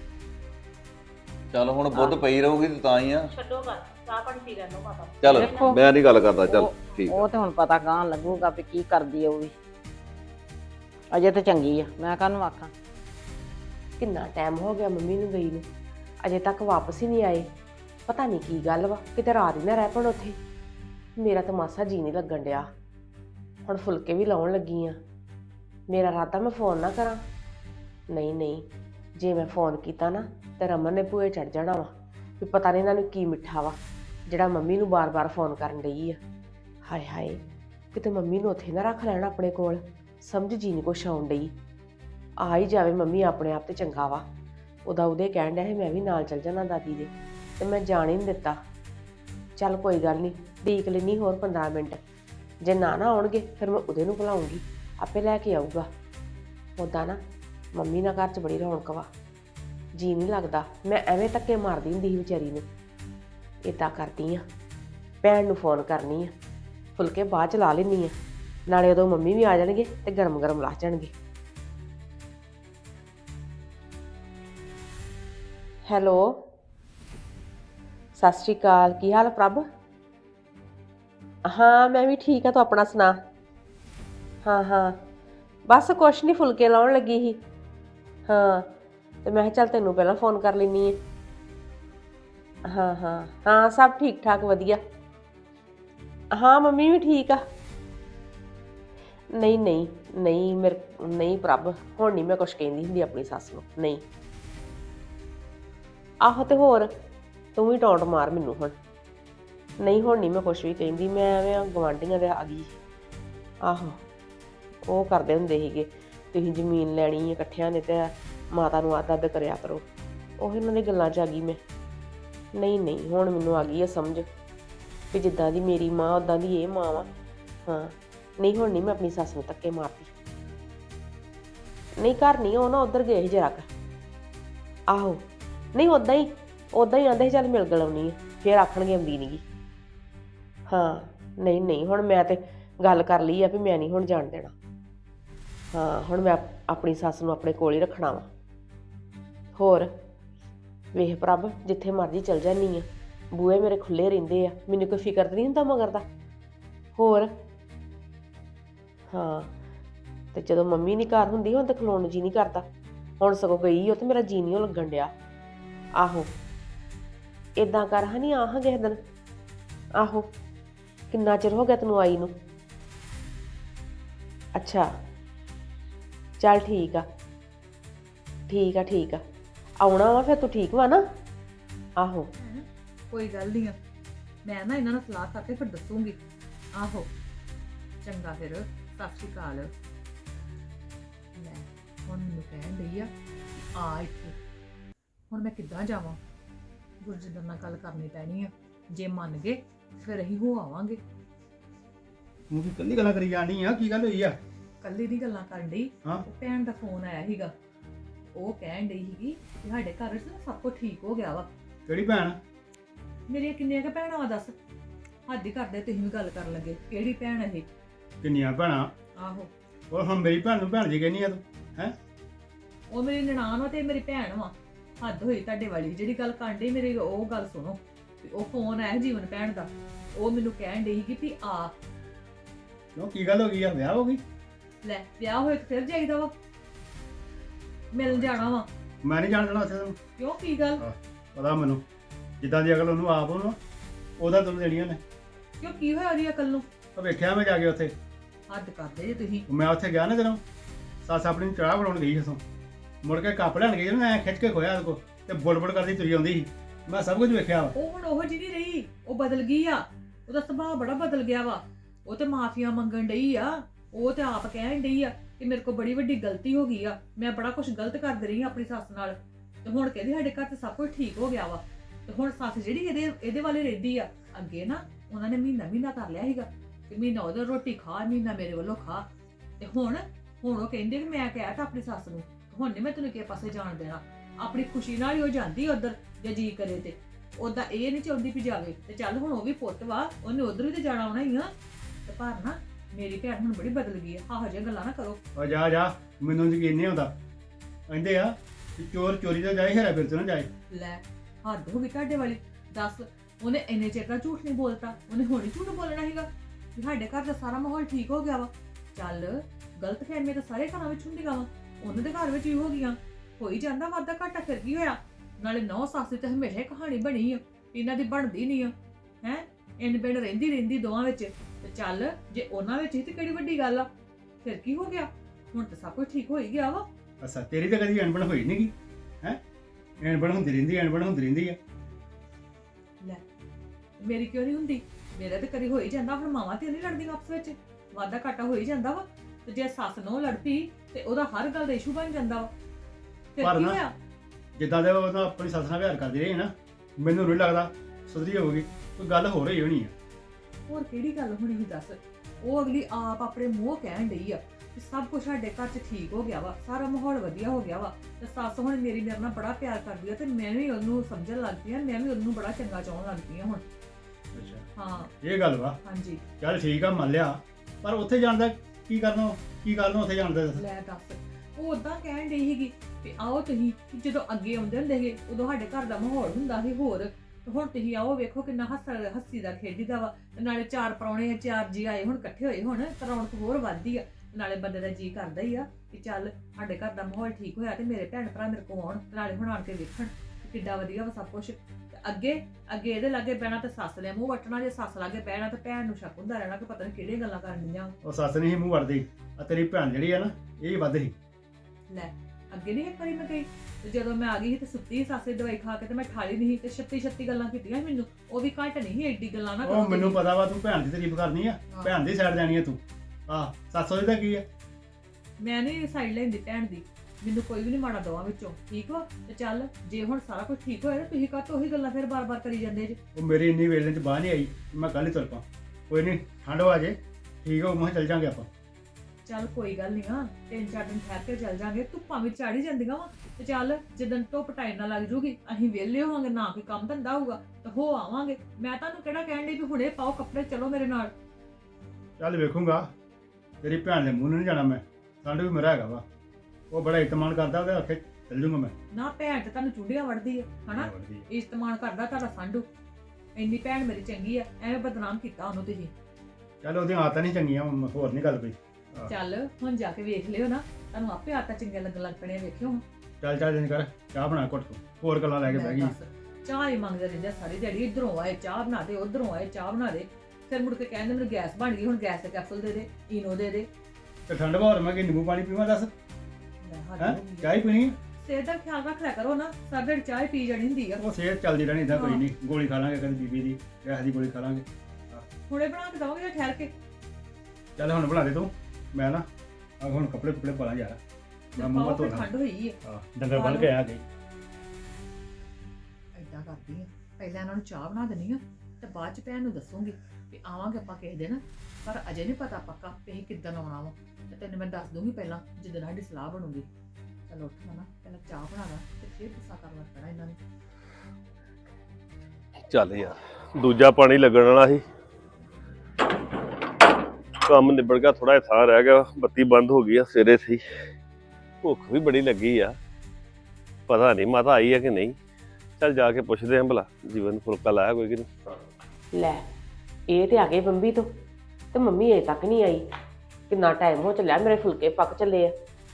[SPEAKER 3] ਚੱਲ ਹੁਣ ਬੁੱਧ ਪਈ ਰਹੂਗੀ ਤੇ ਤਾਂ ਹੀ ਆ।
[SPEAKER 1] ਛੱਡੋ ਗੱਲ, ਚਾਹ ਪਾਣੀ ਪੀ ਲੈਣੋ ਮਾਤਾ।
[SPEAKER 3] ਚੱਲ
[SPEAKER 2] ਦੇਖੋ,
[SPEAKER 3] ਮੈਂ ਨਹੀਂ ਗੱਲ ਕਰਦਾ। ਚੱਲ
[SPEAKER 2] ਉਹ-
[SPEAKER 3] ਠੀਕ ਆ।
[SPEAKER 2] ਉਹ ਤੇ ਹੁਣ ਪਤਾ ਗਾਂ ਲੱਗੂਗਾ ਵੀ ਕੀ ਕਰਦੀ ਆ ਉਹ ਵੀ। ਅਜੇ ਤੇ ਚੰਗੀ ਆ, ਮੈਂ ਕਾਹਨੂੰ ਆਖਾਂ।
[SPEAKER 4] ਕਿੰਨਾ ਟਾਈਮ ਹੋ ਗਿਆ ਮੰਮੀ ਨੂੰ ਗਈ ਨੂੰ, ਅਜੇ ਤੱਕ ਵਾਪਸ ਹੀ ਨਹੀਂ ਆਏ। ਪਤਾ ਨਹੀਂ ਕੀ ਗੱਲ ਵਾ, ਕਿਤੇ ਰਾਤ ਹੀ ਨਾ ਰਹਿ ਪਣ ਉੱਥੇ। ਮੇਰਾ ਤਾਂ ਮਾਸਾ ਜੀ ਨਹੀਂ ਲੱਗਣ ਡਿਆ। ਹੁਣ ਫੁਲਕੇ ਵੀ ਲਾਉਣ ਲੱਗੀ ਆ। ਮੇਰਾ ਇਰਾਦਾ ਮੈਂ ਫੋਨ ਨਾ ਕਰਾਂ। ਨਹੀਂ ਨਹੀਂ, ਜੇ ਮੈਂ ਫੋਨ ਕੀਤਾ ਨਾ ਤੇ ਰਮਨ ਨੇ ਭੂਏ ਚੜ ਜਾਣਾ ਵਾ ਵੀ ਪਤਾ ਨਹੀਂ ਇਹਨਾਂ ਨੂੰ ਕੀ ਮਿੱਠਾ ਵਾ ਜਿਹੜਾ ਮੰਮੀ ਨੂੰ ਬਾਰ-ਬਾਰ ਫੋਨ ਕਰਨ ਡਈ ਆ। ਹਾਏ ਹਾਏ, ਕਿਤੇ ਮੰਮੀ ਨੂੰ ਉੱਥੇ ਨਾ ਰੱਖ ਲੈਣਾ ਆਪਣੇ ਕੋਲ। ਸਮਝ ਜੀ ਨਹੀਂ ਕੁਛ ਆਉਣ ਡਈ। ਆ ਹੀ ਜਾਵੇ ਮੰਮੀ ਆਪਣੇ ਆਪ ਤੇ ਚੰਗਾ ਵਾ। ਉਹਦਾ ਉਹਦੇ ਕਹਿਣ ਡਿਆ ਸੀ ਮੈਂ ਵੀ ਨਾਲ ਚੱਲ ਜਾਣਾ ਦਾਦੀ ਦੇ, ਤੇ ਮੈਂ ਜਾਣ ਹੀ ਨਹੀਂ ਦਿੱਤਾ। ਚੱਲ ਕੋਈ ਗੱਲ ਨਹੀਂ, ਉਡੀਕ ਲੈਣੀ ਹੋਰ ਪੰਦਰਾਂ ਮਿੰਟ। ਜੇ ਨਾ ਨਾ ਆਉਣਗੇ ਫਿਰ ਮੈਂ ਉਹਦੇ ਨੂੰ ਬੁਲਾਉਂਗੀ, ਆਪੇ ਲੈ ਕੇ ਆਊਗਾ। ਉੱਦਾਂ ਨਾ ਮੰਮੀ ਨਾਲ ਘਰ 'ਚ ਬੜੀ ਰੌਣਕ ਵਾ, ਜੀ ਨਹੀਂ ਲੱਗਦਾ। ਮੈਂ ਐਵੇਂ ਧੱਕੇ ਮਾਰਦੀ ਹੁੰਦੀ ਸੀ ਵਿਚਾਰੀ ਨੂੰ। ਇੱਦਾਂ ਕਰਦੀ ਆ, ਭੈਣ ਨੂੰ ਫੋਨ ਕਰਨੀ ਆ, ਫੁਲਕੇ ਬਾਅਦ 'ਚ ਲਾ ਲੈਂਦੀ ਆ। ਨਾਲੇ ਉਦੋਂ ਮੰਮੀ ਵੀ ਆ ਜਾਣਗੇ ਤੇ ਗਰਮ ਗਰਮ ਲਾ ਜਾਣਗੇ। ਹੈਲੋ, ਸਤਿ ਸ਼੍ਰੀ ਅਕਾਲ। ਕੀ ਹਾਲ ਪ੍ਰਭ? ਹਾਂ ਮੈਂ ਵੀ ਠੀਕ ਆ, ਤੂੰ ਆਪਣਾ ਸੁਣਾ? ਹਾਂ ਹਾਂ, ਬਸ ਕੁਛ ਨਹੀਂ, ਫੁਲਕੇ ਲਾਉਣ ਲੱਗੀ ਸੀ। ਹਾਂ, ਤੇ ਮੈਂ ਕਿਹਾ ਚੱਲ ਤੈਨੂੰ ਪਹਿਲਾਂ ਫੋਨ ਕਰ ਲੈਂਦੀ ਹਾਂ। ਹਾਂ ਹਾਂ ਹਾਂ, ਸਭ ਠੀਕ ਠਾਕ ਵਧੀਆ। ਹਾਂ ਮੰਮੀ ਵੀ ਠੀਕ ਆ। ਨਹੀਂ ਨਹੀਂ ਨਹੀਂ, ਮੇਰੇ ਨਹੀਂ ਪ੍ਰਭ, ਹੁਣ ਨਹੀਂ ਮੈਂ ਕੁਛ ਕਹਿੰਦੀ ਹੁੰਦੀ ਆਪਣੀ ਸੱਸ ਨੂੰ। ਨਹੀਂ ਆਹੋ, ਤੇ ਹੋਰ ਤੂੰ ਵੀ ਟੌਂਟ ਮਾਰ ਮੈਨੂੰ ਹੁਣ। ਨਹੀਂ ਹੁਣ ਨਹੀਂ ਮੈਂ ਕੁਛ ਵੀ ਕਹਿੰਦੀ। ਮੈਂ ਐਵੇਂ ਗਵਾਂਢੀਆਂ ਦੇ ਆ ਗਈ। ਆਹੋ, ਉਹ ਕਰਦੇ ਹੁੰਦੇ ਸੀਗੇ ਤੁਸੀਂ ਜ਼ਮੀਨ ਲੈਣੀ ਹੈ ਇਕੱਠਿਆਂ ਨੇ ਤੇ ਮਾਤਾ ਨੂੰ ਅੱਧ ਅੱਧ ਕਰਿਆ ਕਰੋ। ਉਹੀ ਉਹਨਾਂ ਦੀ ਗੱਲਾਂ 'ਚ ਆ ਗਈ ਮੈਂ। ਨਹੀਂ ਨਹੀਂ, ਹੁਣ ਮੈਨੂੰ ਆ ਗਈ ਆ ਸਮਝ ਵੀ ਜਿੱਦਾਂ ਦੀ ਮੇਰੀ ਮਾਂ ਉੱਦਾਂ ਦੀ ਇਹ ਮਾਂ ਵਾ। ਹਾਂ, ਨਹੀਂ ਹੁਣ ਨਹੀਂ ਮੈਂ ਆਪਣੀ ਸੱਸ ਨੂੰ ਧੱਕੇ ਮਾਰਦੀ। ਨਹੀਂ ਘਰ ਨਹੀਂ, ਉਹ ਨਾ ਉੱਧਰ ਗਏ ਸੀ ਜਰਾ ਕੁ। ਆਹੋ, ਨਹੀਂ ਉੱਦਾਂ ਹੀ ਉੱਦਾਂ ਹੀ ਆਂਦੇ ਸੀ ਚੱਲ ਮਿਲ ਗਲਾਉਣੀ ਆ, ਫੇਰ ਆਖਣਗੇ ਆਉਂਦੀ ਨਹੀਂਗੀ। ਹਾਂ ਨਹੀਂ ਨਹੀਂ ਹੁਣ ਮੈਂ ਤੇ ਗੱਲ ਕਰ ਲਈ ਆ ਵੀ ਮੈਂ ਨਹੀਂ ਹੁਣ ਜਾਣ ਦੇਣਾ। ਹਾਂ ਹੁਣ ਮੈਂ ਆਪਣੀ ਸੱਸ ਨੂੰ ਆਪਣੇ ਕੋਲ ਹੀ ਰੱਖਣਾ ਵਾ। ਹੋਰ ਵੇਖ ਪ੍ਰਭ, ਜਿੱਥੇ ਮਰਜ਼ੀ ਚਲ ਜਾਂਦੀ ਆ, ਬੂਹੇ ਮੇਰੇ ਖੁੱਲੇ ਰਹਿੰਦੇ ਆ, ਮੈਨੂੰ ਕੋਈ ਫਿਕਰ ਤਾਂ ਨਹੀਂ ਹੁੰਦਾ ਮਗਰ ਦਾ। ਹੋਰ ਹਾਂ, ਤੇ ਜਦੋਂ ਮੰਮੀ ਨਹੀਂ ਘਰ ਹੁੰਦੀ ਹੁਣ ਤਾਂ ਖਲੋਣ ਨੂੰ ਜੀ ਨਹੀਂ ਕਰਦਾ। ਹੁਣ ਸਗੋਂ ਗਈ ਉਹ ਤੇ ਮੇਰਾ ਜੀ ਨਹੀਂ ਲੱਗਣ ਡਿਆ। ਆਹੋ ਇਦਾਂ ਕਰ ਹਾਂ, ਨਹੀਂ ਆ ਹਾਂ ਕਿਸੇ ਦਿਨ। ਆਹੋ ਕਿੰਨਾ ਚਿਰ ਹੋ ਗਿਆ ਤੈਨੂੰ ਆਈ ਨੂੰ? ਅੱਛਾ ਚੱਲ ਠੀਕ ਆ ਠੀਕ ਆ ਠੀਕ ਆ, ਆਉਣਾ ਵਾ ਫਿਰ ਤੂੰ, ਠੀਕ ਵਾ ਨਾ? ਆਹੋ
[SPEAKER 5] ਕੋਈ ਗੱਲ ਨਹੀਂ ਆ, ਮੈਂ ਨਾ ਇਹਨਾਂ ਨੂੰ ਸਲਾਹ ਕਰਕੇ ਫਿਰ ਦੱਸੂਗੀ। ਆਹੋ ਚੰਗਾ, ਫਿਰ ਸਤਿ ਸ਼੍ਰੀ ਅਕਾਲ। ਲੈ ਹੁਣ ਮੈਨੂੰ ਕਹਿਣ ਡਈ ਆ ਆ ਇੱਥੇ, ਹੁਣ ਮੈਂ ਕਿੱਦਾਂ ਜਾਵਾਂ? ਗੁਰਜਿੰਦਰ ਨਾਲ ਗੱਲ ਕਰਨੀ ਪੈਣੀ ਆ, ਜੇ ਮੰਨ ਗਏ ਫਿਰ ਅਸੀਂ ਹੋ ਆਵਾਂਗੇ।
[SPEAKER 6] ਤੂੰ ਕੀ ਕੱਲੀ ਗੱਲਾਂ ਕਰੀ ਜਾਣੀ ਆ? ਕੀ ਗੱਲ ਹੋਈ ਆ?
[SPEAKER 5] ਕੱਲੀ ਦੀ ਗੱਲਾਂ ਕਰਨ ਡਈ।
[SPEAKER 6] ਹਾਂ।
[SPEAKER 5] ਉਹ ਭੈਣ ਦਾ ਫੋਨ ਆਇਆ ਸੀਗਾ, ਉਹ ਕਹਿਣ ਡਈ ਸੀਗੀ ਕਿ ਸਾਡੇ ਘਰ ਵਿੱਚ ਨਾ ਸਭ ਕੁਝ ਠੀਕ ਹੋ ਗਿਆ ਵਾ।
[SPEAKER 6] ਕਿਹੜੀ ਭੈਣ?
[SPEAKER 5] ਮੇਰੀਆਂ ਕਿੰਨੀਆਂ ਕੁ ਭੈਣਾਂ ਵਾ ਦੱਸ? ਹੱਦ ਹੀ ਕਰਦੇ ਤੁਸੀਂ ਵੀ ਗੱਲ ਕਰਨ ਲੱਗੇ, ਕਿਹੜੀ ਭੈਣ ਇਹ?
[SPEAKER 6] ਕਿੰਨੀਆਂ ਭੈਣਾਂ?
[SPEAKER 5] ਆਹੋ
[SPEAKER 6] ਉਹ ਹੁਣ ਮੇਰੀ ਭੈਣ ਨੂੰ ਭੈਣ ਜੀ ਕਹਿੰਦੀ ਆ ਤੂੰ? ਹੈ
[SPEAKER 5] ਉਹ ਮੇਰੀ ਨਨਾਣ ਵਾ ਤੇ ਮੇਰੀ ਭੈਣ ਵਾ। ਹੱਦ ਹੋਈ ਤੁਹਾਡੇ ਵਾਲੀ, ਜਿਹੜੀ ਗੱਲ ਕਰਨ ਡਈ ਮੇਰੀ ਉਹ ਗੱਲ ਸੁਣੋ। ਵੀ ਉਹ ਫੋਨ ਆਇਆ ਜੀਵਨ ਭੈਣ ਦਾ, ਉਹ ਮੈਨੂੰ ਕਹਿਣ ਡਈ ਸੀ ਵੀ ਆ।
[SPEAKER 6] ਕਿਉਂ ਕੀ ਗੱਲ ਹੋ ਗਈ ਆ? ਵਿਆਹ ਹੋ ਗਈ?
[SPEAKER 5] ਲੈ ਵਿਆਹ ਹੋਏ ਤੇ ਫਿਰ ਜਾਈਦਾ ਵਾ, ਮਿਲਣ ਜਾਣਾ ਵਾ।
[SPEAKER 6] ਮੈਂ ਨਹੀਂ ਜਾਣ ਦੇਣਾ ਉੱਥੇ ਤੈਨੂੰ,
[SPEAKER 5] ਕਿਉਂ ਕੀ ਗੱਲ?
[SPEAKER 6] ਪਤਾ ਮੈਨੂੰ ਜਿੱਦਾਂ ਦੀ ਅਕਲ ਉਹਨੂੰ ਆਪ ਉਹਨੂੰ ਉਹਦਾ ਤੈਨੂੰ ਦੇਣੀਆਂ ਨੇ।
[SPEAKER 5] ਕਿਉਂ ਕੀ ਹੋਇਆ ਉਹਦੀ ਅਕਲ ਨੂੰ?
[SPEAKER 6] ਉਹ ਵੇਖਿਆ ਮੈਂ ਜਾ ਕੇ ਉੱਥੇ,
[SPEAKER 5] ਹੱਦ ਕਰਦੇ ਜੇ ਤੁਸੀਂ।
[SPEAKER 6] ਮੈਂ ਉੱਥੇ ਗਿਆ ਨਾ ਜਦੋਂ ਸੱਸ ਆਪਣੀ ਨੂੰ ਚਾਹ ਬਣਾਉਣ ਗਈ ਉਥੋਂ, ਮੁੜ ਕੇ ਕੱਪ ਲੈਣ ਗਈ, ਮੈਂ ਖਿੱਚ ਕੇ ਖੋਇਆ ਉਹਦੇ ਕੋਲ ਤੇ ਬੁਲ ਬੁਲ ਕਰਦੀ ਤੁਰੀ ਆਉਂਦੀ ਸੀ। ਮੈਂ ਸਭ ਕੁਝ ਵੇਖਿਆ ਵਾ।
[SPEAKER 5] ਉਹ ਹੁਣ ਉਹੋ ਜਿਹੀ ਨਹੀਂ ਰਹੀ, ਉਹ ਬਦਲ ਗਈ ਆ। ਉਹਦਾ ਸੁਭਾਅ ਬੜਾ ਬਦਲ ਗਿਆ ਵਾ। ਉਹ ਤੇ ਮਾਫੀਆਂ ਮੰਗਣ ਡਈ ਆ। ਉਹ ਤੇ ਆਪ ਕਹਿਣ ਡਈ ਆ ਕਿ ਮੇਰੇ ਕੋਲ ਬੜੀ ਵੱਡੀ ਗਲਤੀ ਹੋ ਗਈ ਆ, ਮੈਂ ਬੜਾ ਕੁਝ ਗਲਤ ਕਰਦੀ ਰਹੀ ਆਪਣੀ ਸੱਸ ਨਾਲ, ਤੇ ਹੁਣ ਕਹਿੰਦੀ ਸਾਡੇ ਘਰ ਤੇ ਸਭ ਕੁਝ ਠੀਕ ਹੋ ਗਿਆ ਵਾ। ਤੇ ਹੁਣ ਸੱਸ ਜਿਹੜੀ ਇਹਦੇ ਇਹਦੇ ਵਾਲੇ ਰਹਿੰਦੀ ਆ। ਅੱਗੇ ਨਾ ਉਹਨਾਂ ਨੇ ਮਹੀਨਾ ਮਹੀਨਾ ਕਰ ਲਿਆ ਸੀਗਾ ਕਿ ਮਹੀਨਾ ਉਹਦਾ ਰੋਟੀ ਖਾ, ਮਹੀਨਾ ਮੇਰੇ ਵੱਲੋਂ ਖਾ। ਤੇ ਹੁਣ ਹੁਣ ਉਹ ਕਹਿੰਦੇ ਕਿ ਮੈਂ ਕਿਹਾ ਤਾਂ ਆਪਣੀ ਸੱਸ ਨੂੰ, ਹੁਣ ਨਹੀਂ ਮੈਂ ਤੈਨੂੰ ਕਿਸੇ ਪਾਸੇ ਜਾਣ ਦੇਣਾ। ਆਪਣੀ ਖੁਸ਼ੀ ਨਾਲ ਹੀ ਉਹ ਜਾਂਦੀ ਉਧਰ ਜੇ ਜੀ ਕਰੇ ਤੇ। ਉਦਾਂ ਇਹ ਨਹੀਂ ਚਾਹੁੰਦੀ ਵੀ ਜਾਵੇ। ਤੇ ਚੱਲ ਹੁਣ ਉਹ ਵੀ ਪੁੱਤ ਵਾ, ਉਹਨੇ ਉਧਰ ਵੀ ਤੇ ਜਾਣਾ ਆਉਣਾ ਹੀ ਆ। ਤੇ ਪਰ ਨਾ ਮੇਰੀ ਭੈਣ ਹੁਣ ਬੜੀ ਬਦਲ ਗਈ ਆ। ਆਹੋ ਜਿਹੀਆਂ ਗੱਲਾਂ ਨਾ ਕਰੋ।
[SPEAKER 6] ਉਹ ਜਾ ਜਾ, ਮੈਨੂੰ ਯਕੀਨ ਨਹੀਂ ਆਉਂਦਾ। ਕਹਿੰਦੇ ਆ ਕਿ ਚੋਰ ਚੋਰੀ ਤੋਂ ਜਾਏ, ਹੇਰਾ ਫਿਰ ਤੋਂ ਨਾ ਜਾਏ।
[SPEAKER 5] ਲੈ ਹੱਦ ਹੋ ਗਈ ਤੁਹਾਡੇ ਵਾਲੀ। ਦੱਸ ਉਹਨੇ ਇੰਨੇ ਚਿਰ ਦਾ ਝੂਠ ਨਹੀਂ ਬੋਲਤਾ, ਉਹਨੇ ਹੁਣ ਹੀ ਝੂਠ ਬੋਲਣਾ ਸੀਗਾ ਕਿ ਸਾਡੇ ਘਰ ਦਾ ਸਾਰਾ ਮਾਹੌਲ ਠੀਕ ਹੋ ਗਿਆ ਵਾ। ਚੱਲ ਗਲਤ ਫਹਿਮੀਆਂ ਤਾਂ ਸਾਰੇ ਘਰਾਂ ਵਿੱਚ ਹੁੰਦੀਆਂ ਵਾ, ਉਹਨਾਂ ਦੇ ਘਰ ਵਿੱਚ ਵੀ ਹੋ ਗਈਆਂ। ਹੋਈ ਜਾਂਦਾ ਵਾਧਾ ਘਾਟਾ, ਫਿਰ ਕੀ ਹੋਇਆ? ਨਾਲੇ ਨੌ ਸੱਸ ਦੀ ਤਾਂ ਹਮੇਸ਼ਾ ਹੀ ਕਹਾਣੀ ਬਣੀ ਆ, ਇਹਨਾਂ ਦੀ ਬਣਦੀ ਨਹੀਂ ਆ। ਹੈ ਇੰਨ ਬਿੰਨ ਰਹਿੰਦੀ ਰਹਿੰਦੀ ਦੋਵਾਂ ਵਿੱਚ। ਤੇ ਚੱਲ ਜੇ ਉਹਨਾਂ ਵਿੱਚ ਹੀ ਤੇ ਕਿਹੜੀ ਵੱਡੀ ਗੱਲ ਆ? ਫਿਰ ਕੀ ਹੋ ਗਿਆ? ਹੁਣ ਤਾਂ ਸਭ ਕੁਝ ਠੀਕ ਹੋ ਹੀ ਗਿਆ ਵਾ।
[SPEAKER 6] ਅੱਛਾ ਤੇਰੀ ਤਾਂ ਕਦੀ ਅਣਬਣ ਹੋਈ ਨਹੀਂ ਗੀ? ਹੈ ਅਣਬਣ ਹੁੰਦੀ ਰਹਿੰਦੀ, ਅਣਬਣ ਹੁੰਦੀ ਰਹਿੰਦੀ ਆ।
[SPEAKER 5] ਮੇਰੀ ਕਿਉਂ ਨਹੀਂ ਹੁੰਦੀ? ਮੇਰਾ ਤੇ ਕਦੀ ਹੋ ਹੀ ਜਾਂਦਾ। ਹੁਣ ਮਾਵਾਂ ਤੇ ਨਹੀਂ ਲੜਦੀਆਂ ਆਪਸ ਵਿੱਚ, ਵਾਧਾ ਘਾਟਾ ਹੋ ਹੀ ਜਾਂਦਾ ਵਾ। ਤੇ ਜੇ ਸੱਸ ਨੂੰ ਲੜਦੀ ਤੇ ਉਹਦਾ ਹਰ ਗੱਲ ਦਾ ਇਸ਼ੂ ਬਣ ਜਾਂਦਾ ਵਾ। ਫਿਰ
[SPEAKER 6] ਪਰ
[SPEAKER 5] ਕੀ
[SPEAKER 6] ਨਾ
[SPEAKER 5] ਹੋਇਆ?
[SPEAKER 6] ਜਿੱਦਾਂ ਦੇ ਉਹ ਨਾ ਆਪਣੀ ਸੱਸ ਨਾਲ ਵਿਹਾਰ ਕਰਦੀ ਰਹੀ ਹੈ ਨਾ, ਮੈਨੂੰ ਨਹੀਂ ਲੱਗਦਾ ਸੁਧਰੀ ਹੋਊਗੀ। ਕੋਈ ਗੱਲ ਹੋ ਰਹੀ ਹੋਣੀ ਆ।
[SPEAKER 5] ਹੋਰ ਕਿਹੜੀ ਗੱਲ ਹੋਣੀ ਸੀ ਦੱਸ? ਉਹ ਅਗਲੀ ਆਪ ਆਪਣੇ ਮੂੰਹ ਕਹਿਣ ਡਈ ਆ ਕਿ ਸਭ ਕੁਝ ਸਾਡੇ ਘਰ 'ਚ ਠੀਕ ਹੋ ਗਿਆ ਵਾ, ਸਾਰਾ ਮਾਹੌਲ ਵਧੀਆ ਹੋ ਗਿਆ ਵਾ। ਤੇ ਸੱਸ ਹੁਣ ਮੇਰੀ ਮੇਰੇ ਨਾਲ ਬੜਾ ਪਿਆਰ ਕਰਦੀ ਆ, ਤੇ ਮੈਂ ਵੀ ਉਹਨੂੰ ਸਮਝਣ ਲੱਗ ਪਈ ਆ, ਮੈਂ ਵੀ ਉਹਨੂੰ ਬੜਾ ਚੰਗਾ ਚਾਹਣ ਲੱਗ ਪਈ ਆ ਹੁਣ।
[SPEAKER 6] ਅੱਛਾ
[SPEAKER 5] ਹਾਂ
[SPEAKER 6] ਇਹ ਗੱਲ ਵਾ।
[SPEAKER 5] ਹਾਂਜੀ।
[SPEAKER 6] ਚੱਲ ਠੀਕ ਆ, ਮੰਨ ਲਿਆ। ਪਰ ਉੱਥੇ ਜਾਣ ਦਾ ਕੀ ਕਰਨਾ? ਕੀ ਕਰਨਾ ਉੱਥੇ ਜਾਣ ਦਾ?
[SPEAKER 5] ਲੈ ਦੱਸ, ਉਹ ਉਦਾਂ ਕਹਿਣ ਡਈ ਸੀਗੀ ਕਿ ਆਓ ਤੁਸੀਂ। ਜਦੋਂ ਅੱਗੇ ਆਉਂਦੇ ਹੁੰਦੇ ਸੀਗੇ ਉਦੋਂ ਸਾਡੇ ਘਰ ਦਾ ਮਾਹੌਲ ਹੁੰਦਾ ਸੀ ਹੋਰ, ਤੇ ਹੁਣ ਤੁਸੀਂ ਆਓ ਵੇਖੋ ਕਿੰਨਾ ਹੱਸ ਹੱਸੀ ਦਾ ਖੇਡੀਦਾ ਵਾ। ਤੇ ਨਾਲੇ ਚਾਰ ਪ੍ਰਾਹੁਣੇ ਚਾਰ ਜੀ ਆਏ ਹੁਣ ਇਕੱਠੇ ਹੋਏ, ਹੁਣ ਤਾਂ ਰੌਣਕ ਹੋਰ ਵੱਧਦੀ ਆ। ਨਾਲੇ ਬੰਦੇ ਦਾ ਜੀ ਕਰਦਾ ਹੀ ਆ ਕਿ ਚੱਲ ਸਾਡੇ ਘਰ ਦਾ ਮਾਹੌਲ ਠੀਕ ਹੋਇਆ ਤੇ ਮੇਰੇ ਭੈਣ ਭਰਾ ਮੇਰੇ ਕੋਲ ਆਉਣ, ਨਾਲੇ ਹੁਣ ਆਣ ਕੇ ਵੇਖਣ ਕਿ ਕਿੱਡਾ ਵਧੀਆ ਵਾ ਸਭ ਕੁਝ। ਅੱਗੇ ਅੱਗੇ ਇਹਦੇ ਲਾਗੇ ਬਹਿਣਾ ਤੇ ਸੱਸ ਨੇ ਮੂੰਹ ਵੱਟਣਾ, ਜੇ ਸੱਸ ਲਾਗੇ ਬਹਿਣਾ ਤੇ ਭੈਣ ਨੂੰ ਸ਼ੱਕ ਹੁੰਦਾ ਰਹਿਣਾ ਕਿ ਪਤਾ ਨਹੀਂ ਕਿਹੜੀਆਂ ਗੱਲਾਂ ਕਰਨ ਡੀਆਂ।
[SPEAKER 6] ਉਹ ਸੱਸ ਨਹੀਂ ਸੀ ਮੂੰਹ ਵੜਦੀ, ਆ ਤੇਰੀ ਭੈਣ ਜਿਹੜੀ ਆ ਨਾ ਇਹ ਹੀ ਵੱਧ ਸੀ।
[SPEAKER 5] ਲੈ ਅੱਗੇ ਨਹੀਂ ਇੱਕ ਵਾਰੀ ਮੈਂ ਗਈ ਤੇ ਜਦੋਂ ਮੈਂ ਆ ਗਈ ਸੀ ਤੇ ਸੁੱਤੀ ਸੀ ਸੱਸ ਦੀ ਦਵਾਈ ਖਾ ਕੇ, ਤੇ ਮੈਂ ਠਾਲੀ ਨਹੀਂ ਤੇ ਛੱਤੀ ਛੱਤੀ ਗੱਲਾਂ ਕੀਤੀਆਂ ਮੈਨੂੰ। ਉਹ ਵੀ ਘੱਟ ਨਹੀਂ ਸੀ, ਐਡੀ ਗੱਲਾਂ ਨਾ ਕਰੋ
[SPEAKER 6] ਉਹ ਮੈਨੂੰ
[SPEAKER 5] ਤੁਸੀਂ।
[SPEAKER 6] ਪਤਾ ਵਾ ਤੂੰ ਭੈਣ ਦੀ ਤਾਰੀਫ ਕਰਨੀ ਆ,
[SPEAKER 5] ਹਾਂ।
[SPEAKER 6] ਭੈਣ ਦੀ ਸਾਈਡ ਜਾਣੀ ਆ ਤੂੰ। ਆਹ ਸੱਸ ਉਹਦੀ ਦਾ ਕੀ ਆ?
[SPEAKER 5] ਮੈਂ ਨਹੀਂ ਸਾਈਡ ਲੈਂਦੀ ਭੈਣ ਦੀ, ਮੈਨੂੰ ਕੋਈ ਵੀ ਨਹੀਂ ਮਾੜਾ ਦੋਵਾਂ ਵਿੱਚੋਂ, ਠੀਕ ਵਾ। ਤੇ ਚੱਲ ਜੇ ਹੁਣ ਸਾਰਾ ਕੁਝ ਠੀਕ ਹੋਇਆ ਤੇ ਤੁਸੀਂ ਕਾਹਤੋਂ ਉਹੀ ਗੱਲਾਂ ਫਿਰ ਬਾਰ-ਬਾਰ ਕਰੀ ਜਾਂਦੇ ਜੇ?
[SPEAKER 6] ਉਹ ਮੇਰੀ ਇੰਨੀ ਵੇਲੇ ਚ ਬਾਹਰ ਨਹੀਂ ਆਈ, ਮੈਂ ਕੱਲ ਹੀ ਤੁਰ ਪਾ। ਕੋਈ ਨਹੀਂ ਠੰਡ ਹੋ ਆ ਜੇ, ਠੀਕ ਹੋ ਮੈਂ ਚੱਲ ਜਾਂਗੇ ਆਪਾਂ।
[SPEAKER 5] ਚੱਲ ਕੋਈ ਗੱਲ ਨਹੀਂ ਆ, ਤਿੰਨ ਚਾਰ ਦਿਨ ਠਹਿਰ ਕੇ ਚੱਲ ਜਾਾਂਗੇ, ਧੁੱਪਾਂ ਵੀ ਚੜ ਹੀ ਜਾਂਦੀਆਂ ਵਾ ਤੇ ਚੱਲ ਜਦੋਂ ਧੁੱਪ ਟਾਈਮ ਨਾਲ ਲੱਗ ਜੂਗੀ ਅਸੀਂ ਵਿਹਲੇ ਹੋਵਾਂਗੇ, ਨਾ ਕੋਈ ਕੰਮ ਧੰਦਾ ਹੋਊਗਾ ਤਾਂ ਹੋ ਆਵਾਂਗੇ। ਮੈਂ ਤੁਹਾਨੂੰ ਕਿਹੜਾ ਕਹਿਣ ਡਈ ਵੀ ਹੁਣੇ ਪਾਓ ਕੱਪੜੇ, ਚਲੋ ਮੇਰੇ ਨਾਲ।
[SPEAKER 6] ਚੱਲ ਵੇਖੂੰਗਾ, ਤੇਰੀ ਭੈਣ ਦੇ ਮੂੰਹ ਨੂੰ ਨਹੀਂ ਜਾਣਾ ਮੈਂ, ਸੰਡ ਵੀ ਮੇਰਾ ਹੈਗਾ ਵਾ, ਉਹ ਬੜਾ ਇਤਮਾਨ ਕਰਦਾ, ਉਹਦੇ ਆਖੇ ਚੱਲ ਜੂੰਗਾ ਮੈਂ।
[SPEAKER 5] ਨਾ ਭੈਣ ਤੇ ਤੁਹਾਨੂੰ ਚੁੰਡੀਆਂ ਵੜਦੀ ਹੈ ਹਨਾ, ਇਸਤਮਾਨ ਕਰਦਾ ਤੁਹਾਡਾ ਸੰਡੂ। ਇੰਨੀ ਭੈਣ ਮੇਰੀ ਚੰਗੀ ਆ, ਐਵੇਂ ਬਦਨਾਮ ਕੀਤਾ ਉਹਨੂੰ ਤੁਸੀਂ।
[SPEAKER 6] ਚੱਲ ਉਹਦੀਆਂ ਆਦਤਾਂ ਨਹੀਂ ਚੰਗੀਆਂ, ਹੁਣ ਹੋਰ ਨਹੀਂ ਗੱਲ ਕੋਈ। ਆਹ।
[SPEAKER 5] ਚੱਲ ਹੁਣ ਜਾ ਕੇ ਵੇਖ ਲਿਓ ਨਾ, ਤੁਹਾਨੂੰ ਆਪੇ ਆਦਤਾਂ ਚੰਗੀਆਂ ਲੱਗਣ ਲੱਗ ਪਣੀਆਂ, ਵੇਖਿਓ ਹੁਣ।
[SPEAKER 6] ਚੱਲ ਚੱਲ ਜਿੰਨ ਕਰ, ਚਾਹ ਬਣਾ ਘੁੱਟ ਤੂੰ, ਹੋਰ ਗੱਲਾਂ ਲੈ ਕੇ ਬਹਿ ਗਈ।
[SPEAKER 5] ਬਸ ਚਾਹ ਹੀ ਮੰਗਦੇ ਰਹਿੰਦੇ ਸਾਰੀ ਦਿਹਾੜੀ, ਇਧਰੋਂ ਆਏ ਚਾਹ ਬਣਾ ਦੇ, ਉਧਰੋਂ ਆਏ ਚਾਹ ਬਣਾ ਦੇ, ਫਿਰ ਮੁੜ ਕੇ ਕਹਿੰਦੇ ਮੈਨੂੰ ਗੈਸ ਬਣ ਗਈ, ਹੁਣ ਗੈਸ ਦੇ ਕੈਪਸੂਲ ਦੇ ਦੇ, ਇਨੋ ਦੇ ਦੇ।
[SPEAKER 6] ਤੇ ਠੰਡ ਬਾਹਰ ਮੈਂ ਕਿ ਨਿੰਬੂ ਪਾਣੀ ਪੀਵਾਂ ਦੱਸ,
[SPEAKER 5] ਲੈ ਹੱਦ
[SPEAKER 6] ਹੈ
[SPEAKER 5] ਹੋ ਗਈ।
[SPEAKER 6] ਚਾਹ ਹੀ ਪੀਣੀ?
[SPEAKER 5] ਸਿਹਤ ਦਾ ਖਿਆਲ ਰੱਖ ਲਿਆ ਕਰੋ ਨਾ, ਸਾਰੀ ਦਿਹਾੜੀ ਚਾਹ ਹੀ ਪੀ ਜਾਣੀ ਹੁੰਦੀ ਆ।
[SPEAKER 6] ਉਹ ਸਿਹਤ ਚੱਲਦੀ ਰਹਿਣੀ ਇਦਾਂ, ਕੋਈ
[SPEAKER 5] ਹਾਂ।
[SPEAKER 6] ਨਹੀਂ, ਗੋਲੀ ਖਾ ਲਾਂਗੇ ਕਦੇ ਬੀਬੀ ਦੀ, ਗੈਸ ਦੀ ਗੋਲੀ ਖਾ ਲਾਂਗੇ।
[SPEAKER 5] ਹੁਣੇ ਬਣਾ ਕੇ ਦਵਾਂਗੇ ਜਾਂ ਠਹਿਰ ਕੇ?
[SPEAKER 6] ਚੱਲ ਹੁਣ ਬਣਾ ਦੇ ਤੂੰ, ਮੈਂ ਨਾ ਆ ਹੁਣ ਕੱਪੜੇ ਕੁਪੜੇ ਪਾ ਲਾਂ ਯਾਰ, ਮੈਂ ਮੂੰਹ
[SPEAKER 5] ਪਾਓ,
[SPEAKER 6] ਧੋ
[SPEAKER 5] ਫਿਰ
[SPEAKER 6] ਲਾਂ।
[SPEAKER 5] ਠੰਡ ਹੋਈ ਹੈ।
[SPEAKER 6] ਹਾਂ ਡੰਗਰ ਬੰਨ ਕੇ ਆ ਗਈ।
[SPEAKER 5] ਏਦਾਂ ਕਰਦੀ ਆ, ਪਹਿਲਾਂ ਇਹਨਾਂ ਨੂੰ ਚਾਹ ਬਣਾ ਦੇਣੀ ਆ ਤੇ ਬਾਅਦ ਚ ਭੈਣ ਨੂੰ ਦੱਸੂਗੀ ਵੀ ਆਵਾਂਗੇ ਆਪਾਂ ਕਿਸੇ ਦਿਨ, ਪਰ ਅਜੇ ਨਹੀਂ ਪਤਾ ਪੱਕਾ ਵੀ ਅਸੀਂ ਕਿੱਦਣ ਆਉਣਾ ਵਾ, ਤੇ ਤੈਨੂੰ ਮੈਂ ਦੱਸ ਦੂੰਗੀ ਪਹਿਲਾਂ ਜਦੋਂ ਸਾਡੀ ਸਲਾਹ ਬਣੂਗੀ। ਚਲ ਉੱਠ ਨਾ, ਪਹਿਲਾਂ ਚਾਹ ਬਣਾ ਲਾ ਤੇ ਫਿਰ ਗੁੱਸਾ ਕਰਨ ਲੱਗ ਪੈਣਾ ਇਹਨਾਂ ਨੂੰ।
[SPEAKER 7] ਚੱਲ ਯਾਰ, ਦੂਜਾ ਪਾਣੀ ਲੱਗਣ ਵਾਲਾ ਸੀ, ਕੰਮ ਨਿਬੜ ਗਿਆ, ਥੋੜਾ ਜਿਹਾ ਥਾਂ ਰਹਿ ਗਿਆ, ਬੱਤੀ ਬੰਦ ਹੋ ਗਈ ਆ ਸਵੇਰੇ ਸੀ। ਭੁੱਖ ਵੀ ਬੜੀ ਲੱਗੀ ਆ, ਪਤਾ ਨਹੀਂ ਮਾਤਾ ਆਈ ਆ ਕਿ ਨਹੀਂ। ਚੱਲ ਜਾ ਕੇ ਪੁੱਛਦੇ ਆਂ ਭਲਾ, ਜੀਵਨ ਨੂੰ ਫੁਲਕਾ ਲਾਇਆ ਕੋਈ ਕਿ ਨਹੀਂ।
[SPEAKER 4] ਲੈ ਇਹ ਤੇ ਆ ਗਏ ਬੰਬੀ ਤੋਂ, ਤੇ ਮੰਮੀ ਅਜੇ ਤੱਕ ਨਹੀਂ ਆਈ। ਕਿੰਨਾ ਟਾਈਮ ਹੋ ਚੱਲਿਆ, ਮੇਰੇ ਫੁਲਕੇ ਪੱਕ ਚੱਲੇ ਆ।